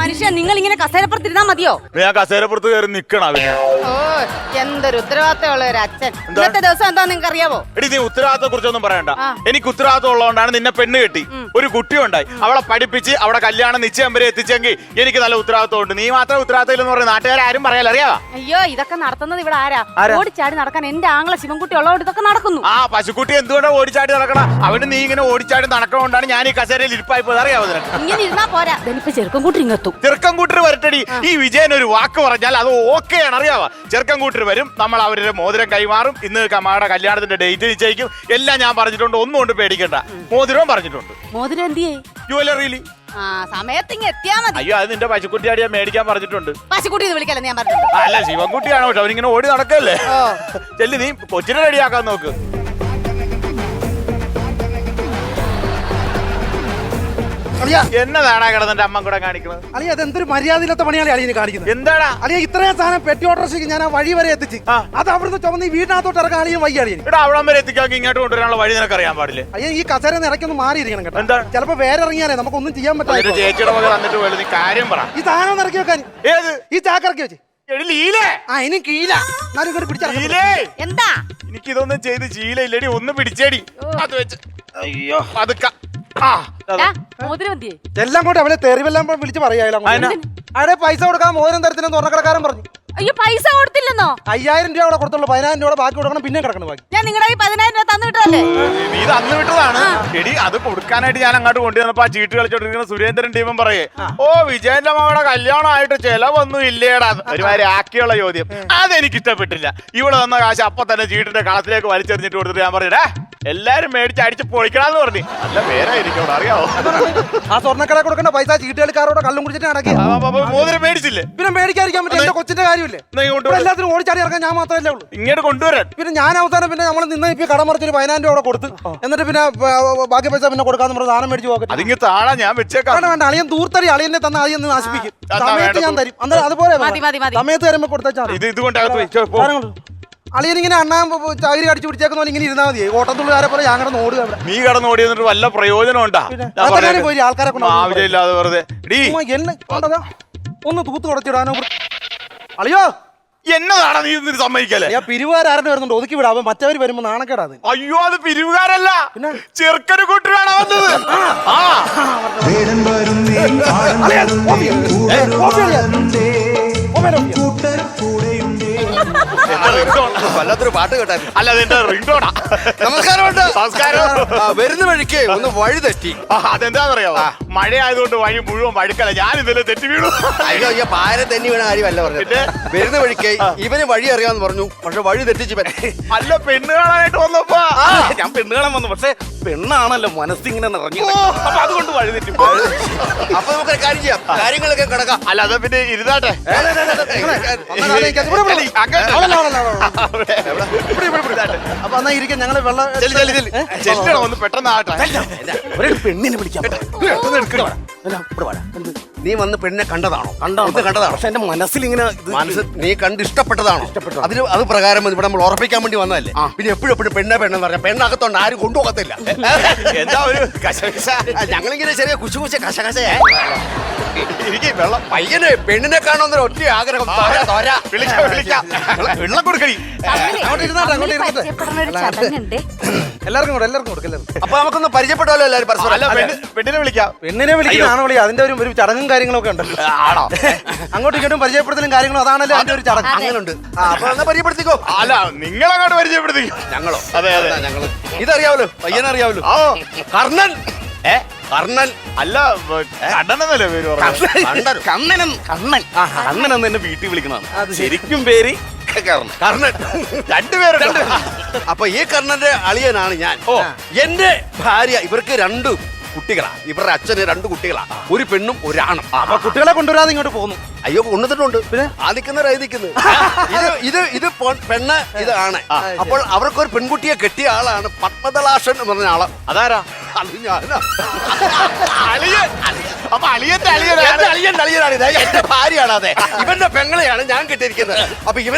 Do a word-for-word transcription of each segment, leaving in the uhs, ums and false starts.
മനുഷ്യൻ നിങ്ങൾ ഇങ്ങനെ കസേരപ്പുറത്തിരുന്നാ മതിയോ? ഞാൻ കസേരപ്പുറത്ത് കയറി നിക്കണം. ഓ എന്തൊരു ഉത്തരവാദിത്തമുള്ള ഒരു അച്ഛൻ. ഇന്നത്തെ ദിവസം എന്താ നിങ്ങൾക്ക് അറിയാവോ? എടി നീ ഉത്തരവാദിത്തത്തെ കുറിച്ചൊന്നും പറയണ്ട. എനിക്ക് ഉത്തരവാദിത്തം ഉള്ളതുകൊണ്ടാണ് നിന്നെ പെണ്ണ് കെട്ടി ഒരു കുട്ടി ഉണ്ടായി അവളെ പഠിപ്പിച്ച് അവിടെ കല്യാണം നിശ്ചയം വരെ എത്തിച്ചെങ്കിൽ എനിക്ക് നല്ല ഉത്തരവാദിത്തം ഉണ്ട്. നീ മാത്രം ഉത്തരവാദിത്തം ഇല്ലെന്ന് പറഞ്ഞ നാട്ടുകാരും പറയാലോ, അറിയാവാ? അയ്യോ ഇതൊക്കെ നടത്തുന്നത് ഇവിടെ ആരാ? ഓടിച്ചാടി നടക്കാൻ എന്റെ ആങ്ങളെ ശിവൻകുട്ടി ഉള്ളതുകൊണ്ട് ഇതൊക്കെ നടക്കുന്നു. ആ പശുക്കുട്ടി എന്തുകൊണ്ടാണ് ഓടിച്ചാടി നടക്കണം? അവന് നീ ഇങ്ങനെ ഓടിച്ചാടി നടക്കണോണ്ടാണ് ഞാൻ ഈ കസേരയിൽ ഇരിപ്പായി പോയത്, അറിയാവോ? ഇങ്ങനെ ഇരുന്നാ പോരാ, ഇപ്പൊ ചെറുക്കം കൂട്ടി ഇങ്ങെത്തും. ചെറുക്കം കൂട്ടർ വരട്ടടി. ഈ വിജയൻ ഒരു വാക്ക് പറഞ്ഞാൽ അത് ഓക്കെയാണ്, അറിയാവാ? ചെറുക്കം കൂട്ടർ വരും, നമ്മൾ അവരുടെ മോതിരം കൈമാറും, ഇന്ന് കമ്മയുടെ കല്യാണത്തിന്റെ ഡേറ്റ് നിശ്ചയിക്കും, എല്ലാം ഞാൻ പറഞ്ഞിട്ടുണ്ട്. ഒന്നും കൊണ്ട് പേടിക്കണ്ട. മോതിരവും പറഞ്ഞിട്ടുണ്ട്. മോതിരം എന്തിയേ? ജുവലറിയില് ആ സമയത്ത് ഇങ്ങ് എത്തിയാ മതി. അയ്യോ അത് നിന്റെ പശുക്കുട്ടിയാടി ഞാൻ മേടിക്കാൻ പറഞ്ഞിട്ടുണ്ട്. പശുക്കുട്ടി വിളിക്കല്ലേ ഞാൻ പറഞ്ഞു? അല്ല ശിവൻകുട്ടിയാണോ? പക്ഷെ അവനിങ്ങനെ ഓടി നടക്കല്ലേ. ചെല്ലി നീ കൊച്ചിനെ റെഡിയാക്കാൻ നോക്ക്. എന്നതാടാ കിടന്നെ അമ്മ കൂടെ കാണിക്കുന്നത്? അളിയ അതെന്തൊരു മര്യാദയില്ലാത്ത പണിയാണ് അളിയന് കാണിക്കുന്നത്. എന്താടാ അളിയ ഇത്രയും സാധനം പെട്ടി ഓട്ടോറിക്ഷയ്ക്ക് ഞാൻ ആ വഴി വരെ എത്തിച്ച് അത് അവിടുന്ന് ചുമന്ന് ഈ വീടിനകത്തോട്ട് ഇറക്കാൻ അളിയൻ വയ്യ. അളിയൻ ഇവിടെ അവിടം വരെ എത്തിക്കാൻ ഇങ്ങോട്ട് കൊണ്ടുവരാനുള്ള വഴി നിനക്ക് അറിയാൻ പാടില്ലേ? അയ്യ ഈ കസേര ഇറക്കൊന്ന് മാറിയിരിക്കണം കേട്ടോ. എന്താ ചിലപ്പോ വേറെ ഇറങ്ങിയാലേ നമുക്കൊന്നും ചെയ്യാൻ പറ്റില്ല. ചേച്ചിയുടെ മകൾ വന്നിട്ട് പോലും നീ കാര്യം പറ. ഈ സാധനം ഇറക്കി വെക്കാൻ ഏത് ഈ ചാക്ക് ഇറക്കി വെച്ച് ആ ഇനി കീല എന്താ എനിക്ക് ഇതൊന്നും ചെയ്ത് ശീലയില്ലടി. ഒന്ന് പിടിച്ചേടി അത് വെച്ച്. അയ്യോ അതൊക്കെ എല്ലാം കൂടെ അവനെ തെറിവെല്ലാം വിളിച്ച് പറയാലോ. അവിടെ പൈസ കൊടുക്കാൻ മോതിരം തരത്തിലെന്ന് സ്വർണ്ണക്കടക്കാരൻ പറഞ്ഞു. അയ്യോ പൈസ കൊടുത്തില്ലെന്നോ? അയ്യായിരം രൂപ അവിടെ കൊടുത്തുള്ളൂ. പതിനായിരം രൂപ ബാക്കി കൊടുക്കണം. പിന്നെ കിടക്കണം ബാക്കി. ഞാൻ നിങ്ങളുടെ പതിനായിരം രൂപ തന്നു വിട്ടതല്ലേ? നീ ഇത് അന്ന് വിട്ടതാണ്. എടി അത് കൊടുക്കാനായിട്ട് ഞാൻ അങ്ങോട്ട് കൊണ്ടുവന്നപ്പോ ആ ചീട്ട് കളിച്ചോണ്ടിരിക്കുന്ന സുരേന്ദ്രൻ ടീമും പറയേ, ഓ വിജയന്റെ മകളുടെ കല്യാണമായിട്ട് ചെലവൊന്നും ഇല്ലേടാ. ഒരുമാതിരി ആക്കിയുള്ള ചോദ്യം അതെനിക്ക് ഇഷ്ടപ്പെട്ടില്ല. ഇവിടെ വന്ന കാശ് അപ്പൊ തന്നെ ചീട്ടിന്റെ കളത്തിലേക്ക് വലിച്ചെറിഞ്ഞിട്ട് കൊടുത്തിട്ട് ഞാൻ പറഞ്ഞേ എല്ലാരും മേടിച്ച് അടിച്ച് പൊളിക്കണമെന്ന് പറഞ്ഞു. നല്ല പേരായിരിക്കും അവിടെ, അറിയാവോ? ആ സ്വർണ്ണക്കട കൊടുക്കേണ്ട പൈസ ചീട്ടുകളിക്കാരോടെ കള്ളും കുടിച്ചിട്ട് നടക്കി. മോതിരം മേടിച്ചില്ലേ? പിന്നെ മേടിക്കാതിരിക്കാൻ പറ്റും. എന്റെ കൊച്ചിന്റെ കാര്യമില്ലേ? എല്ലാത്തിനും ഓടിച്ചാടി ഇറക്കാൻ ഞാൻ മാത്രമല്ലേ ഉള്ളൂ. ഇങ്ങോട്ട് കൊണ്ടുവരാൻ പിന്നെ ഞാൻ അവസാനം പിന്നെ നമ്മൾ നിന്ന് ഇപ്പൊ കട മറിച്ചൊരു പതിനായിരം രൂപ കൊടുത്ത് എന്നിട്ട് പിന്നെ ബാക്കി പൈസ പിന്നെ കൊടുക്കാന്ന് പറഞ്ഞ സാധനം മേടിച്ച് പോകാം. അതിങ്ങ് താഴെ ഞാൻ വെച്ചേക്കാം. വേണ്ട അളിയൻ ദൂർത്തടി അളിയനെ തന്നെ അളിയൻ നാശിപ്പിക്കും. സമയത്ത് ഞാൻ തരും. അന്നേരം അതുപോലെ സമയത്ത് തരുമ്പോ കൊടുത്താൽ അളിയനിങ്ങനെ അണ്ണാൻ ചാകരി കടിച്ചു പിടിച്ചേക്കുന്ന പോലെ ഇങ്ങനെ ഇരുന്നാൽ മതി. ഓട്ടത്തുള്ളുകാരെ പോലെ ഞാൻ കിടന്ന് ഓടുക. നീ കിടന്ന് ഓടി എന്നിട്ട് വല്ല പ്രയോജനം ഉണ്ടാ? പോയി ആൾക്കാരെ ആവശ്യമില്ലാതെ വെറുതെ ഒന്ന് തൂത്ത് തുടച്ചിടാനോ. അളിയോ എന്നതാണ് നീ ഇതിന് സമ്മതിക്കല്ലേ? ഞാൻ പിരിവുകാരൻ്റെ വരുന്നുണ്ട്, ഒതുക്കി വിടാം. മറ്റവർ വരുമ്പോ നാണക്കേടാ. അയ്യോ അത് പിരിവുകാരല്ല, ചെറുക്കന് കൂട്ടരാണ് വന്നത്. വല്ലാത്തൊരു പാട്ട് കേട്ടാ. അല്ല അതെന്റെ റിംഗ്ടോണാ. നമസ്കാരമുണ്ട്. നമസ്കാരം. വരുന്ന വഴിക്ക് ഒന്ന് വഴി തെറ്റി. അതെന്താന്നറിയാവോ? മഴ ആയതുകൊണ്ട് വഴി മുഴുവൻ വഴുക്കല. ഞാൻ ഇതിലെ തെറ്റി വീണു. അയ്യോ അയ്യോ പാര തെന്നി വീണ കാര്യമല്ല പറഞ്ഞത്. വരുന്ന വഴിക്ക് ഇവന് വഴി അറിയാന്ന് പറഞ്ഞു, പക്ഷെ വഴി തെറ്റിച്ച്. അല്ല പെണ്ണ് കാണാനായിട്ട് വന്നപ്പോ ഞാൻ പെണ്ണ് കാണാൻ വന്നു, പക്ഷെ പെണ്ണാണല്ലോ മനസ്സിങ്ങനെ നിറഞ്ഞു. അപ്പൊ അതുകൊണ്ട് വഴി തെറ്റി. അപ്പൊ നമുക്ക് കാര്യം ചെയ്യാം, കാര്യങ്ങളൊക്കെ കിടക്കാം. അല്ല അത് പിന്നെ ഇരുന്നാട്ടെ. അപ്പൊ എന്നാ ഇരിക്കാൻ ഞങ്ങള് വെള്ളം ഒന്ന് പെട്ടെന്ന് ആട്ടെ. പെണ്ണിനെ വിളിക്കാം. നീ വന്ന് പെണ്ണിനെ കണ്ടതാണോ? കണ്ടോ കണ്ടതാണോ? പക്ഷെ എന്റെ മനസ്സിൽ ഇങ്ങനെ മനസ്സ് നീ കണ്ട് ഇഷ്ടപ്പെട്ടതാണോ? ഇഷ്ടപ്പെട്ടു. അതിന് അത് പ്രകാരം ഇവിടെ നമ്മൾ ഉറപ്പിക്കാൻ വേണ്ടി വന്നതല്ലേ. പിന്നെ എപ്പോഴും എപ്പോഴും പെണ്ണെ പെണ്ണെന്ന് പറഞ്ഞാൽ പെണ്ണകത്തോണ്ട് ആരും കൊണ്ടുപോകത്തില്ല. എന്താ ഒരു കശകശ? ഞങ്ങളിങ്ങനെ ചെറിയ കുശു കുശ കശകശ എനിക്ക് വെള്ളം പയ്യനെ പെണ്ണിനെ കാണുന്ന ഒറ്റ ആഗ്രഹം. വെള്ളം കൊടുക്കണി. എല്ലാവർക്കും കൂടെ എല്ലാവർക്കും കൊടുക്കല്ലേ. അപ്പൊ നമുക്കൊന്ന് പരിചയപ്പെട്ടാലോ എല്ലാവരും പരസ്പരം. അല്ല പെണ്ണിനെ വിളിക്കാം. പെണ്ണിനെ വിളിക്കുന്നതാണോ വിളി? അതിന്റെ ഒരു ഒരു ചടങ്ങും കാര്യങ്ങളൊക്കെ ഉണ്ട്. ആണോ? അങ്ങോട്ടും ഇങ്ങോട്ടും പരിചയപ്പെടുത്തലും കാര്യങ്ങളും അതാണല്ലോ അതിന്റെ ഒരു ചടങ്ങ്. അങ്ങനുണ്ട്. അപ്പൊ എന്നാ പരിചയപ്പെടുത്തിക്കോ. അല്ല നിങ്ങൾ അങ്ങോട്ട് പരിചയപ്പെടുത്തിക്കോ. ഞങ്ങളോ? അതെ അതെ ഞങ്ങള് ഇതറിയാവല്ലോ, പയ്യനറിയാവല്ലോ. കർണൻ. ഏ കർണൻ അല്ല കണ്ണനെന്നല്ലേ പേര് പറഞ്ഞു? കണ്ണൻ. കണ്ണൻ കണ്ണൻ എന്ന് എന്നെ വീട്ടിൽ വിളിക്കുന്നതാണ്. ശരിക്കും പേര് കർണൻ. രണ്ടുപേരുണ്ട്. അപ്പൊ ഈ കർണന്റെ അളിയനാണ് ഞാൻ. ഓ എന്റെ ഭാര്യ. ഇവർക്ക് രണ്ട് കുട്ടികളാ. ഇവരുടെ അച്ഛന് രണ്ട് കുട്ടികളാ, ഒരു പെണ്ണും ഒരാണും. അപ്പൊ കുട്ടികളെ കൊണ്ടുവരാതെ ഇങ്ങോട്ട് പോകുന്നു. അയ്യോ കൊണ്ടുവന്നിട്ടുണ്ട്. പിന്നെ ആ നിൽക്കുന്നവരായി നിൽക്കുന്നത് ഇത് ഇത് ഇത് പെണ്ണ് ഇതാണ്. അപ്പോൾ അവർക്കൊരു പെൺകുട്ടിയെ കെട്ടിയ ആളാണ് പത്മദളാഷൻ എന്ന് പറഞ്ഞ ആള്. അതാരാ? അത് ഞാനാ. അളിയൻ. അപ്പൊ അളിയന്റെ അളിയൻ അളിയന്റെ അളിയനാണ് ഇത്. എന്റെ ഭാര്യയാണ്. അതെ, ഇവന്റെ പെങ്ങളെയാണ് ഞാൻ കെട്ടിയിരിക്കുന്നത്. അപ്പൊ ഇവനെ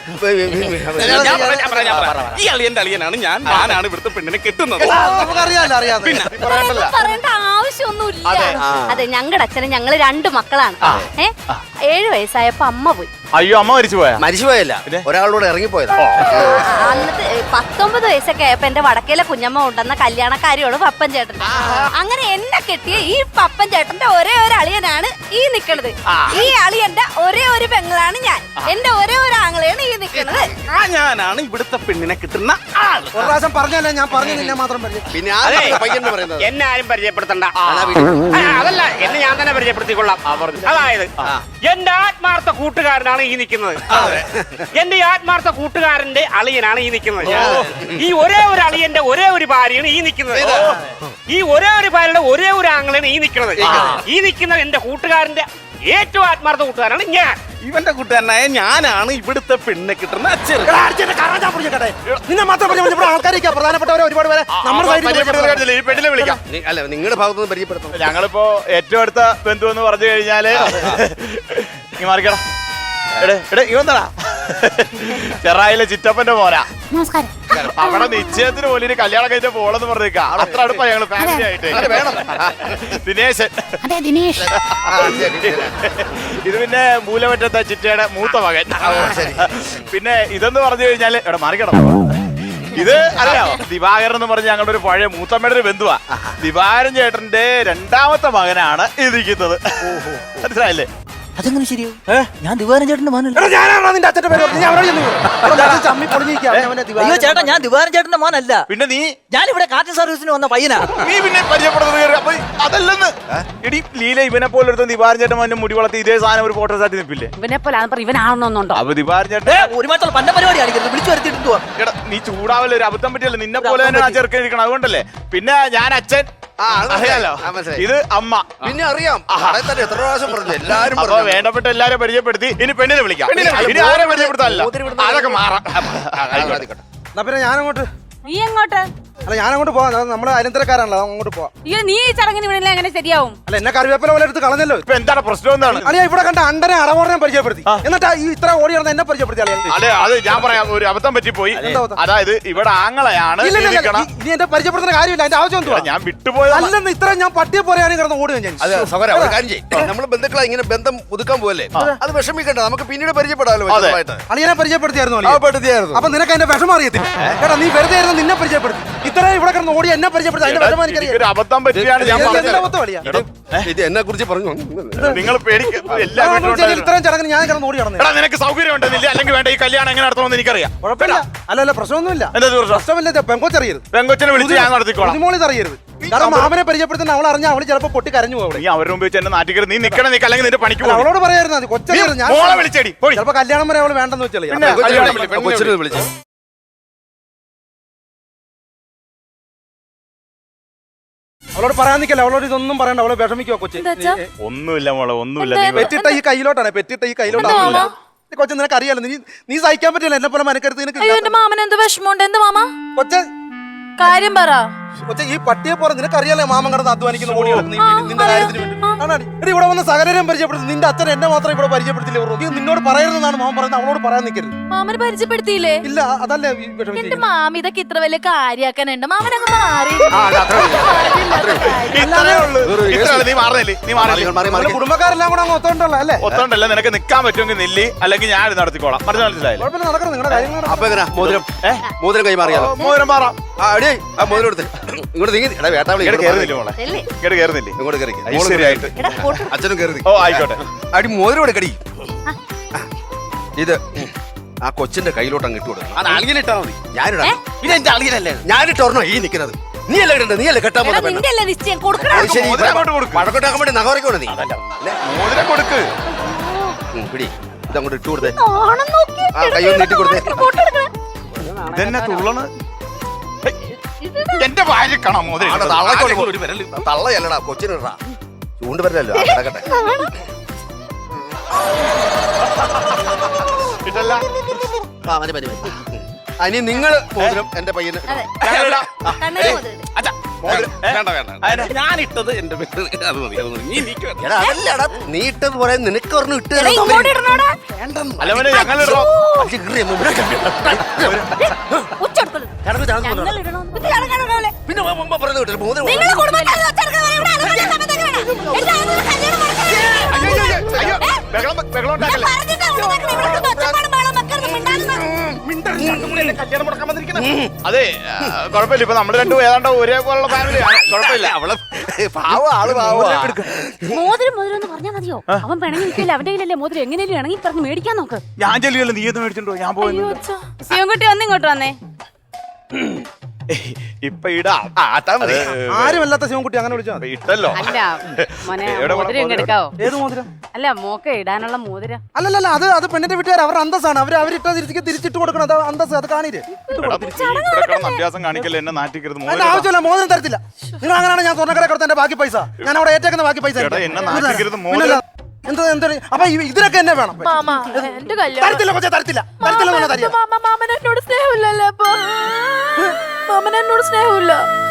ഞാൻ പറയാം, ഞാൻ പറയാം, ഞാൻ പറയാം. ഈ അളിയന്റെ അളിയനാണ് ഞാൻ ഞാനാണ് ഇവിടുത്തെ പെണ്ണിനെ കെട്ടുന്നത്. നമുക്കറിയാലോ അറിയാതെ ഇതൊന്നും പറയേണ്ട ആവശ്യമൊന്നുമില്ല. അതെ, ഞങ്ങളുടെ അച്ഛനും ഞങ്ങള് രണ്ട് മക്കളാണ്. ഏ ഏഴു വയസ്സായപ്പോ അമ്മ പോയി. അയ്യോ, അമ്മ മരിച്ചു പോയാ? മരിച്ചുപോയല്ല, ഒരാളോട് ഇറങ്ങിപ്പോയതാ. അന്നത്തെ പത്തൊമ്പത് വയസ്സൊക്കെ ആയപ്പോ എന്റെ വടക്കേലെ കുഞ്ഞമ്മ കൊണ്ടുവന്ന കല്യാണക്കാരിയോട് പപ്പൻ ചേട്ടൻ. അങ്ങനെ എന്നെ കെട്ടിയ ഈ പപ്പൻ ചേട്ടന്റെ ഒരേ ഒരു അളിയനാണ് ഈ നിക്കണത്. ഈ അളിയന്റെ ഒരേ ഒരു പെങ്ങളാണ് ഞാൻ. എന്റെ ഒരേ ഒരു ആങ്ങളെയാണ് ഈ നിക്കണത്. ആ ഞാനാണ് ഇവിടുത്തെ പെണ്ണിനെ കിട്ടുന്ന ആള്. ഒരു പ്രാവശ്യം പറഞ്ഞല്ലേ, ഞാൻ പറഞ്ഞു നിന്നെ മാത്രം പറഞ്ഞു. പിന്നെ ആ പയ്യൻ പറയുന്നത് എന്നെ ആരും പരിചയപ്പെടുത്തണ്ട. ആ, അതല്ല, എന്നെ ഞാൻ തന്നെ പരിചയപ്പെടുത്തിക്കൊള്ളാം. അതായത് എന്റെ ആത്മാർത്ഥ കൂട്ടുകാരനാണ് ഈ നിൽക്കുന്നത്. എന്റെ ഈ ആത്മാർത്ഥ കൂട്ടുകാരന്റെ അളിയനാണ് ഈ നിൽക്കുന്നത്. ഈ ഒരേ ഒരു അളിയന്റെ ഒരേ ഒരു ഭാര്യയാണ് ഈ നിൽക്കുന്നത്. ഈ ഒരേ ഒരു ഭാര്യയുടെ ഒരേ ഒരു ആങ്ങളാണ് ഈ നിൽക്കുന്നത്. ഈ നിൽക്കുന്ന എന്റെ കൂട്ടുകാരന്റെ ഏറ്റവും ആത്മാർത്ഥ കൂട്ടുകാരാണ് ഞാൻ. ഇവന്റെ കൂട്ടുകാരനായ ഞാനാണ് ഇവിടുത്തെ പെണ്ണിനെ കിട്ടുന്ന അച്ഛൻ. നിന്നെ മാത്രം പറഞ്ഞു. ഇവിടെ ആൾക്കാരൊക്കെ പ്രധാനപ്പെട്ടവരെ ഒരുപാട് പേരെ നമ്മുടെ സൈഡിൽ ഈ പെണ്ണിനെ വിളിക്കാം. അല്ല, നിങ്ങളുടെ ഭാഗത്തുനിന്ന് പരിചയപ്പെടുത്തണം. ഞങ്ങളിപ്പോ ഏറ്റവും അടുത്ത ബന്ധു എന്ന് പറഞ്ഞു കഴിഞ്ഞാല് നീ മാറിക്കടാ. എടേ എടേ ഇവന്താടാ ചെറായിലെ ചിറ്റപ്പന്റെ മോനാ. നമസ്കാരം. അവിടെ നിശ്ചയത്തിന് പോലും ഇനി കല്യാണം കഴിച്ച പോളെന്ന് പറഞ്ഞേക്ക. അത്ര അടുപ്പാ ഞങ്ങള് ഫാമിലി ആയിട്ട്. ദിനേശൻ. അതെ, ദിനേഷ്. ഇത് പിന്നെ മൂലമറ്റത്തെ ചിറ്റയുടെ മൂത്ത മകൻ. പിന്നെ ഇതെന്ന് പറഞ്ഞു കഴിഞ്ഞാല് എവിടെ മാറിക്കണം. ഇത് അറിയാമോ, ദിവാകരൻ എന്ന് പറഞ്ഞ ഞങ്ങളുടെ ഒരു പഴയ മൂത്തമ്മയുടെ ഒരു ബന്ധുവാ. ദിവാകരൻ ചേട്ടന്റെ രണ്ടാമത്തെ മകനാണ് ഇരിക്കുന്നത്. മനസ്സിലായില്ലേ? അതെങ്ങനെ ശരിയോ? ഞാൻ ദിവാരൻ ചേട്ടന്റെ മോനല്ല. നിന്റെ അച്ഛന്റെ പേര് പറഞ്ഞു. ഞാൻ അവിടെ ചെന്ന് വീണു. ചമ്മി പൊളിഞ്ഞിരിക്കുക. അയ്യോ ചേട്ടാ, ഞാൻ ദിവാരൻ ചേട്ടന്റെ മോനല്ല. പിന്നെ നീ ഞാൻ ഇവിടെ കാറ്റ് സർവീസിന് വന്ന പയ്യനാ. നീ പിന്നെ പരിചയപ്പെടുന്നത് അപ്പൊ അതല്ലെന്ന്. എടി ലീല ഇവനെ പോലെ എടുത്ത ദിവാരൻ ചേട്ടൻ മോന്റെ മുടി വളർത്തി ഇതേ സാധനം ഒരു ഫോട്ടോ സാറ്റി നിൽപ്പില്ലേ? ഇവനെ പോലെ ഇവനാണെന്നുണ്ടോ? അപ്പൊ ദിവാരൻ ചേട്ടൻ ഒരുമാറ്റുള്ള പണ്ട പരിപാടി കാണിക്കരുത്. വിളിച്ചു വരുത്തിട്ട് എടാ നീ ചൂടാവല്ലേ, ഒരു അബദ്ധം പറ്റിയല്ലേ. നിന്നെ പോലെ തന്നെ ആ ചെറുക്കൻ ഇരിക്കണം. അതുകൊണ്ടല്ലേ. പിന്നെ ഞാൻ അച്ഛൻ, അറിയാലോ. ഇത് അമ്മ. പിന്നെ അറിയാം, തന്നെ എത്ര പ്രാവശ്യം പറഞ്ഞു. എല്ലാരും അപ്പൊ വേണ്ടപ്പെട്ട എല്ലാരും പരിചയപ്പെടുത്തി. ഇനി പെണ്ണിനെ വിളിക്കാം. ഇനി ആരെ പരിചയപ്പെടുത്താനല്ല, അതൊക്കെ മാറാം. എന്നാ പിന്നെ ഞാനങ്ങോട്ട്. നീ എങ്ങോട്ട്? അല്ല ഞാനങ്ങോട്ട് പോവാം. നമ്മുടെ അയലന്തരക്കാരാണല്ലോ, അങ്ങോട്ട് പോവാം. അയ്യോ, നീ ഈ ചടങ്ങിന് വീണില്ല എങ്ങനെ ശരിയാവും? അല്ല എന്നെ കറിവേപ്പില പോലെ എടുത്ത് കളഞ്ഞല്ലോ. ഇപ്പൊ എന്താണ് പ്രശ്നം? എന്താണ്? അളിയ ഇവിടെ കണ്ട അണ്ടനെ അടവോടനെ പരിചയപ്പെടുത്തി. എന്നിട്ട് ഈ ഇത്ര ഓടി നടന്ന എന്നെ പരിചയപ്പെടുത്തി. അല്ലെ അത് ഞാൻ പറയാം, ഒരു അബദ്ധം പറ്റിപ്പോയി. അതായത് ഇവിടെ ആങ്ങളെയാണ്. നീ എന്നെ പരിചയപ്പെടുത്തുന്ന കാര്യമില്ല. അതിന്റെ ആവശ്യം എന്തുവാ? ഞാൻ വിട്ടുപോയത് അല്ലെന്ന് ഇത്ര ഞാൻ പട്ടിയെ പോലെയാണ് കിടന്ന് ഓടുക. ഞാൻ നമ്മൾ ബന്ധുക്കളെ ഇങ്ങനെ ബന്ധം പുതുക്കാൻ പോവല്ലേ, അത് വിഷമിക്കണ്ട, നമുക്ക് പിന്നീട് പരിചയപ്പെടാമല്ലോ. അളിയനെ പരിചയപ്പെടുത്തിയായിരുന്നു. അപ്പൊ നിനക്ക് അതിന്റെ വിഷമം അറിയത്തില്ല. കേട്ടോ, നീ വെറുതെ ആയിരുന്നു നിന്നെ പരിചയപ്പെടുത്തി. ഇത്ര ഇവിടെ കിടന്ന് ഓടി എന്നെ പരിചയപ്പെടുത്തി. അതിന്റെ വിഷമം എനിക്കറിയാം. ഒരു അബദ്ധം പറ്റിയാണ് ഞാൻ പറഞ്ഞത്. ഇത് എന്നെ കുറിച്ച് പറഞ്ഞു. നിങ്ങൾ പേടിക്കും. എല്ലാ വീട്ടിലും ഇത്രയും ചടങ്ങിന് ഞാൻ കിടന്ന് ഓടി നടന്നു. എടാ നിനക്ക് സൗകര്യം ഉണ്ടെന്നില്ല, അല്ലെങ്കിൽ വേണ്ട ഈ കല്യാണം എങ്ങനെ നടത്തണമെന്ന് എനിക്കറിയാം. കുഴപ്പമില്ല. അല്ലല്ല പ്രശ്നമൊന്നുമില്ല. എന്താ പ്രശ്നം? പ്രശ്നമില്ല. പെങ്കൊച്ചറിയരുത്. പെങ്കൊച്ചിനെ വിളിച്ച് ഞാൻ നടത്തിക്കോളാം. അറിയരുത്. കാരണം മാമനെ പരിചയപ്പെടുത്തുന്ന അവൾ അറിഞ്ഞാൽ അവള് ചിലപ്പോ പൊട്ടി കരഞ്ഞു പോകും. നീ അവരുടെ മുമ്പ് വെച്ച് എന്നെ നാട്ടിക്കരുത്. നീ നിക്കണം, നീ അല്ലെങ്കിൽ നിന്റെ പണിക്ക് പോകും. അവളോട് പറയായിരുന്നു മതി. കൊച്ചറിയരുത്. ഞാൻ മോളെ വിളിച്ചേടി പോയി. ചിലപ്പോ കല്യാണം വരെ അവള് വേണ്ടെന്ന് വെച്ചാൽ വിളിച്ചു. അവളോട് പറയാൻ നിൽക്കല്ല. അവളോട് ഇതൊന്നും പറയണ്ട. അവളെ വിഷമിക്കുവോ കൊച്ചി? ഒന്നുമില്ല മോളെ, ഒന്നുമില്ല. പെറ്റിട്ട ഈ കയ്യിലോട്ടാണ്. പെറ്റിട്ട ഈ കയ്യിലോട്ടാണ്. കൊച്ചു നിനക്ക് അറിയാലോ. നീ നീ സഹിക്കാൻ പറ്റില്ല. എന്നെ പോലെ മനക്കരുത്ത് നിനക്ക്. മാമൻ എന്ത് വിഷമമുണ്ട്? എന്ത് മാമ? കൊച്ചെ കാര്യം പറ. കൊച്ചെ ഈ പട്ടിയെ പോലെ നിനക്കറിയാലോ മാമൻ കിടന്ന് അധ്വാനിക്കുന്ന ഓടി കിടന്ന് നിന്റെ കാര്യത്തിന് വേണ്ടി. ആണാടി. എടി ഇവിടെ വന്ന് സകലരെയും പരിചയപ്പെടുത്തി. നിന്റെ അച്ഛൻ എന്നെ മാത്രം ഇവിടെ പരിചയപ്പെടുത്തില്ലേ? നീ നിന്നോട് പറയുന്നതാണ് മാമൻ പറയുന്നത്. അവളോട് പറയാൻ നിൽക്കരുത്. മാമന് പരിചയപ്പെടുത്തിയില്ലേ? ഇല്ല, അതല്ലേ എന്റെ മാമ ഇതൊക്കെ ഇത്ര വലിയ കാര്യാക്കാനുണ്ട്. മാമനൊക്കെ മാറി. നീ മാറുന്നില്ലേ? നീ മാറില്ല. കുടുംബക്കാരെല്ലാം കൂടെ അങ്ങ് ഒത്തോണ്ടല്ലോ അല്ലേ? ഒത്തോണ്ടല്ല. നിനക്ക് നിൽക്കാൻ പറ്റുമെങ്കിൽ നില്ല്, അല്ലെങ്കിൽ ഞാൻ ഇത് നടത്തിക്കോളാം. മനസ്സിലായി? മനസ്സിലായില്ലേ? കുഴപ്പമില്ല, നടക്കണം. നിങ്ങളുടെ കാര്യങ്ങൾ അപ്പൊ എങ്ങനെയാ മോതിരം? മോതിരം കൈമാറിയാലോ? മോതിരം മാറാം. ആ മോതിരം എടുത്ത് ഇങ്ങോട്ട് നീങ്ങി. വേട്ടാവിളി കേറുന്നില്ല മോളെ, കേട്ട് കേറുന്നില്ലേ? ഇങ്ങോട്ട് കയറി. ശരിയായിട്ട് അച്ഛനും കയറി. ഓ ആയിക്കോട്ടെ. അടി മോതിരം എടുക്കടി. ഇത് ആ കൊച്ചിന്റെ കയ്യിലോട്ട് അങ്ങ് ഇട്ട് കൊടുക്കണം. അത് അളിയനിട്ടാ മതി. ഞാനിടാ. ഇത് എന്റെ അളിയനല്ലേ? ഞാനിട്ടോർണോ ഈ നിൽക്കുന്നത്? നീ അല്ലേ ഇടണ്ട? നീ അല്ലേ കെട്ടാൻ പോകുന്ന പെണ്ണ്? നിന്റെ നിശ്ചയം കൊടുക്കണം. വഴക്കോട്ടാക്കാൻ വേണ്ടി നഗറിക്കോണ നീ. മോതിരം കൊടുക്ക്. പിടി, ഇതങ്ങോട്ട് ഇട്ട് കൊടുത്തേ. ആ കയ്യോ നീട്ടി കൊടുത്തേ. ഇതെന്നെ തുള്ളണ്. എന്റെ ഭാര്യ കാണാം മോതിരം. തള്ളയല്ലടാ, കൊച്ചിനിടാ. ചൂണ്ടുവരല്ലോ. കിടക്കട്ടെ. ഇതല്ല. ആ മതി മതി. അനി നിങ്ങള് മോതിരം എന്റെ പയ്യന്. ഞാനിടാം. കണ്ണനെ മുതൽ. അച്ഛാ മോതിരം, ഏ? വേണ്ട വേണ്ട അതിന് ഞാൻ ഇട്ടത് എന്റെ പേര് അത് മതി അത് മതി നീ എനിക്ക് വേണ്ട. എടാ അതല്ലടാ നീ ഇട്ടത് പോലെ നിനക്ക് പറഞ്ഞു ഇട്ട് എടാ, ഇങ്ങോട്ട് ഇടണോടാ. അല്ല മോനെ ഞങ്ങൾ ഇടണോ? ഉച്ചെടുക്കരുത്. ഞങ്ങൾ ഇടണോ? ഇത് ചടങ്ങാണ് ഇടണോലെ. പിന്നെ പറഞ്ഞു കിട്ടില്ല മോതിരം നിങ്ങളുടെ കുടുംബക്കാരെ ഒച്ചെടുക്കാൻ ഇവിടെ ആലോചിക്കാൻ സമയത്തൊക്കെ വേണം. എല്ലാ ആളുകളും കല്യാണം മുടക്കാൻ അയ്യോ, അയ്യോ, അയ്യോ, ബഹളം ബഹളം ഞാൻ ഉണ്ടാക്കല്ലേ. പറഞ്ഞിട്ടാ ഇവിടെ നിൽക്കണെ. ഇവിടെ കിടന്ന് ഒച്ചപ്പാടും ബഹളവും വെക്കരുത്, മിണ്ടാതിരുന്നോ. കല്യാണം മുടക്കാൻ വന്നിരിക്കുന്നത് അതെ ആ, കുഴപ്പമില്ല ഇപ്പൊ നമ്മൾ രണ്ടും ഏതാണ്ട് ഒരേപോലുള്ള ഫാമിലിയാണ്. കുഴപ്പമില്ല അവളെ പാവ ആള് പാവ മോതിരം മോതിരം എന്ന് പറഞ്ഞാൽ മതിയോ? അവൻ പിണങ്ങി നിൽക്കില്ല, അവന്റെ കയ്യിലല്ലേ മോതിരം. എങ്ങനെയല്ലേ ഇണങ്ങി പറഞ്ഞ് മേടിക്കാൻ നോക്ക്. ഞാൻ ചെല്ലുകയല്ലോ, നീ എന്ന് മേടിച്ചിട്ടുണ്ടോ? ഞാൻ പോയി ശിവൻകുട്ടി വന്ന് ഇങ്ങോട്ട് വന്നേ. ഇപ്പൊ ഇടാം. ആ അതാ മതി ആരുമല്ലാത്ത ശിവൻകുട്ടി അങ്ങനെ വിളിച്ചാൽ ഇപ്പൊ ഇട്ടല്ലോ. അല്ല മോനെ, എവിടെ മോതിരം ഇങ്ങ് എടുക്കാവോ? ഏത് മോതിരം? അല്ല മോക്ക് ഇടാനുള്ള മോതിരം. അല്ലല്ല അത് അത് പെണ്ണിന്റെ വീട്ടുകാർ അവരുടെ അന്തസ്സാണ്. അവർ അവരിട്ട തിരിച്ച് തിരിച്ചിട്ട് കൊടുക്കണം. അത് അന്തസ്, അത് കാണില്ലേ? ഇവിടെ കിടന്ന് അഭ്യാസം കാണിക്കല്ലേ, എന്നെ നാട്ടിക്കരുത്. അതിന്റെ മോതിരം ആവശ്യമില്ല, മോതിരം തരത്തില്ല. നിങ്ങൾ അങ്ങനെയാണ് ഞാൻ സ്വർണ്ണക്കട കൊടുത്ത എന്റെ ബാക്കി പൈസ ഞാൻ അവിടെ ഏറ്റേക്കുന്ന ബാക്കി പൈസ എടാ, എന്നെ നാട്ടിക്കരുത്. പിന്നല്ല. എന്താ എന്താ അപ്പൊ ഈ- ഇതിനൊക്കെ എന്നെ വേണം. മാമാ എന്റെ കല്യാണം തരത്തില്ല കൊച്ചേ, തരത്തില്ല തരത്തില്ല എന്ന് പറഞ്ഞാ തരിക. മാമൻ എന്നോട് സ്നേഹമില്ലല്ലേ അപ്പൊ? മാമൻ എന്നോട് സ്നേഹമില്ല.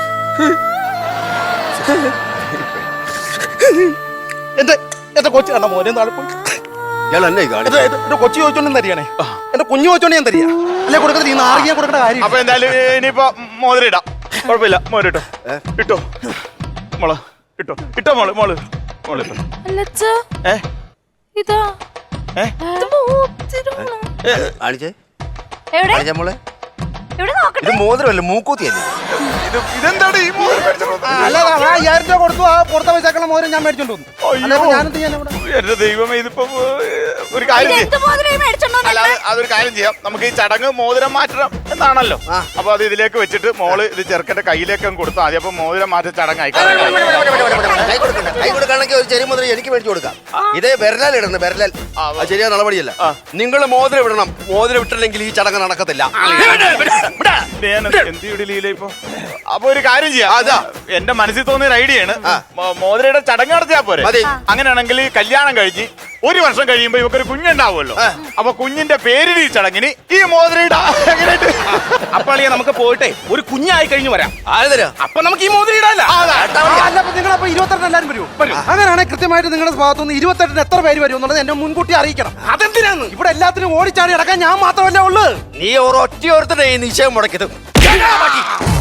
എന്റെ എന്റെ കൊച്ചു കണ്ട മോനെ നാളെ പോയി ഇയാൾ എന്നെ കാണി എന്റെ എന്റെ കൊച്ചു ചോദിച്ചോണ്ടും തരികയാണേ. എന്റെ കുഞ്ഞു ചോദിച്ചോണ്ട് ഞാൻ തരിക. അല്ലെ കൊടുക്കുന്നത് ഈ നാറിയാൻ കൊടുക്കേണ്ട കാര്യം. അപ്പൊ എന്തായാലും ഇനിയിപ്പോ മോതിരം ഇടാം. കുഴപ്പമില്ല, മോതിരം ഇട്ടോ. ഇട്ടോ മോള് ഇട്ടോ. ഇട്ടോ മോള് മോള് മോള് ഇട്ടോ. അല്ലച്ചാ ഏ ഇതാ ഏ ഇത് മോതിരമാണോ? കാണിച്ചേ എവിടെ കാണിച്ചാ മോളെ എവിടെ നോക്കട്ടെ. ഇത് മോതിരമല്ല മൂക്കൂത്തിയല്ലേ ഇത് ഇതെന്താണ് ഈ മോതിരം മേടിച്ചോണ്ട് വന്നത്? അല്ല ആ അയ്യായിരം രൂപ കൊടുത്തു. ആ കൊടുത്ത പൈസക്കുള്ള മോതിരം ഞാൻ മേടിച്ചോണ്ട് വന്നു. അല്ല അയ്യോ. ഞാനെന്ത് ചെയ്യാൻ ഇവിടെ? എന്റെ ദൈവമേ, ഇതിപ്പോ ഒരു കാര്യം ചെയ്യ്. എന്ത് മോതിരം മേടിച്ചോണ്ടോ? അല്ല അത് അതൊരു കാര്യം ചെയ്യാം. നമുക്ക് ഈ ചടങ്ങ് മോതിരം മാറ്റണം എന്നാണല്ലോ. അപ്പൊ അത് ഇതിലേക്ക് വെച്ചിട്ട് മോള് ഇത് ചെറുക്കന്റെ കയ്യിലേക്ക് അങ്ങ് കൊടുത്താൽ മതി. അപ്പൊ മോതിരം മാറ്റ ചടങ്ങായി. കൈ കൊടുക്കണ്ട കൈ കൊടുക്കുകയാണെങ്കിൽ ഒരു ചെറിയ മുദ്ര എനിക്ക് മേടിച്ചു കൊടുക്കാം. ഇതേ വിരലാൽ ഇടണം, വിരലാൽ അത് ശരിയാ നടപടിയല്ല. നിങ്ങൾ മോതിരം ഇടണം. മോതിരം ഇട്ടില്ലെങ്കിൽ ഈ ചടങ്ങ് നടക്കത്തില്ല. എന്തിയുടെ ലീല ഇപ്പൊ? അപ്പൊ ഒരു കാര്യം ചെയ്യാം. അതാ എന്റെ മനസ്സിൽ തോന്നിയ ഒരു ഐഡിയ ആണ്. മോതിരയുടെ ചടങ്ങ് നടത്തിയാ പോരെ? മതി. അങ്ങനെയാണെങ്കിൽ ഈ കല്യാണം കഴിഞ്ഞ് ഒരു വർഷം കഴിയുമ്പോ ഇവക്കൊരു കുഞ്ഞുണ്ടാവുമല്ലോ. അപ്പൊ കുഞ്ഞിന്റെ പേരിൽ ഈ ചടങ്ങിന് ഈ മോതിരയുടെ എങ്ങനെയായിട്ട്? അപ്പോൾ നമുക്ക് പോയിട്ടെ ഒരു കുഞ്ഞായി കഴിഞ്ഞു വരാം. ആരതരാ അപ്പൊ നമുക്ക് ഈ മോതിരം ഇടാല്ല. ആ, അല്ല അപ്പൊ നിങ്ങളപ്പോ ഇരുപത്തെട്ട് എല്ലാവരും വരുമോ? അങ്ങനെയാണെങ്കിൽ കൃത്യമായിട്ട് നിങ്ങളുടെ ഭാഗത്തുനിന്ന് ഇരുപത്തെട്ടിന് എത്ര പേര് വരും എന്നുള്ളത് എന്നെ മുൻകൂട്ടി അറിയിക്കണം. അതെന്തിനാന്ന്? ഇവിടെ എല്ലാത്തിനും ഓടിച്ചാടി അടക്കാൻ ഞാൻ മാത്രമല്ലേ ഉള്ളൂ. നീ ഒരൊറ്റ ഓർത്തിട്ട് ഈ നിശ്ചയം മുടക്കിയത്